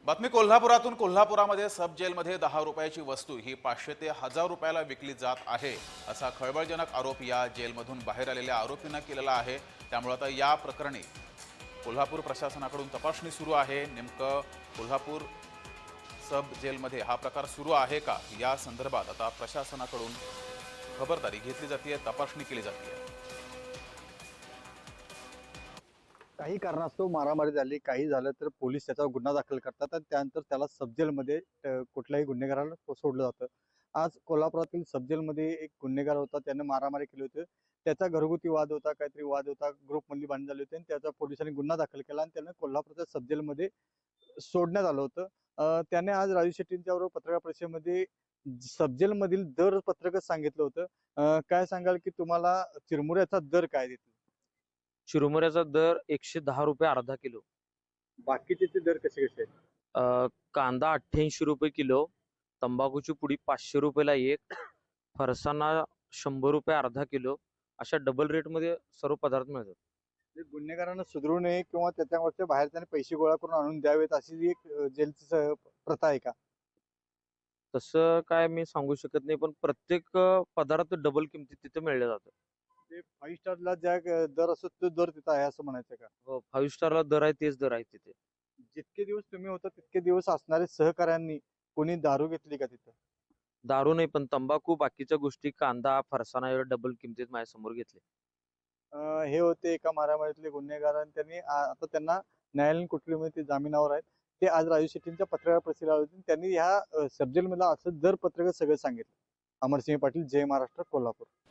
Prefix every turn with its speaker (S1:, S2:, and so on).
S1: बातमी कोल्हापुरातून. कोल्हापुरामध्ये सब जेलमध्ये 10 रुपयाची वस्तू ही 500 ते 1000 रुपयाला विकली जात आहे असा खळबळजनक आरोप या जेलमधून बाहेर आलेल्या आरोपींना केलेला आहे। त्यामुळे आता या प्रकरणी कोल्हापूर प्रशासनाकडून तपासणी सुरू आहे। नेमकं कोल्हापूर सब जेलमध्ये हा प्रकार सुरू आहे का या संदर्भात आता प्रशासनाकडून खबरदारी घेतली जाते, तपासणी केली जाते।
S2: काही कारणास्तव मारामारी झाली, काही झालं तर पोलीस त्याचा गुन्हा दाखल करतात आणि त्यानंतर त्याला सबजेलमध्ये कुठल्याही गुन्हेगाराला सोडलं जातं। आज कोल्हापुरातील सबजेलमध्ये एक गुन्हेगार होता, त्याने मारामारी केली होती। त्याचा घरगुती वाद होता, काहीतरी वाद होता, ग्रुपमधली भांडण झाली होती आणि त्याचा पोलिसांनी गुन्हा दाखल केला आणि त्याने कोल्हापूरच्या सबजेलमध्ये सोडण्यात आलं होतं। त्याने आज राजू शेट्टींच्याबरोबर पत्रकार परिषदेमध्ये सबजेलमधील दर पत्रकच सांगितलं होतं। काय सांगाल की तुम्हाला चिरमुऱ्याचा दर काय देतो?
S3: चिरमुऱ्याचा दर 110 रुपये अर्धा किलो.
S2: बाकीचे दर कसे कसे आहेत?
S3: कांदा 88 रुपये किलो, तंबाखूची पुडी 500 रुपयाला एक, फरसाणा 100 रुपये अर्धा किलो, अशा डबल रेटमध्ये सर्व पदार्थ मिळतात.
S2: म्हणजे गुन्हेगारांना सुधरू नये किंवा त्याच्यावरच्या बाहेर त्याने पैसे गोळा करून आणून द्यावेत अशी जी एक जेलची प्रथा आहे का?
S3: तसं काय मी सांगू शकत नाही, पण प्रत्येक पदार्थ डबल किमतीत तिथे मिळले जातात.
S2: ते 5 स्टारला ज्या दर असतो तो दर तिथं आहे असं म्हणायचं का?
S3: हो, 5 स्टारला दर आहे तेच दर आहे तिथे.
S2: जितके दिवस तुम्ही होता तितके दिवस असणारे सहकाऱ्यांनी कोणी दारू घेतली का तिथं?
S3: दारू नाही, पण तंबाखू, बाकीच्या गोष्टी, कांदा, फरसाणा एवढे डबल किमतीत माझ्यासमोर घेतले.
S2: हे होते एका मारामारीतले गुन्हेगार आणि त्यांनी आता त्यांना न्यायालयीन कोठडीमध्ये ते जामिनावर आहेत। ते आज राजू शेट्टींच्या पत्रकार परिषदेला आले होते। त्यांनी ह्या सबजेलमधलं असं दर पत्रक सगळं सांगितलं। अमरसिंह पाटील, जय महाराष्ट्र, कोल्हापूर।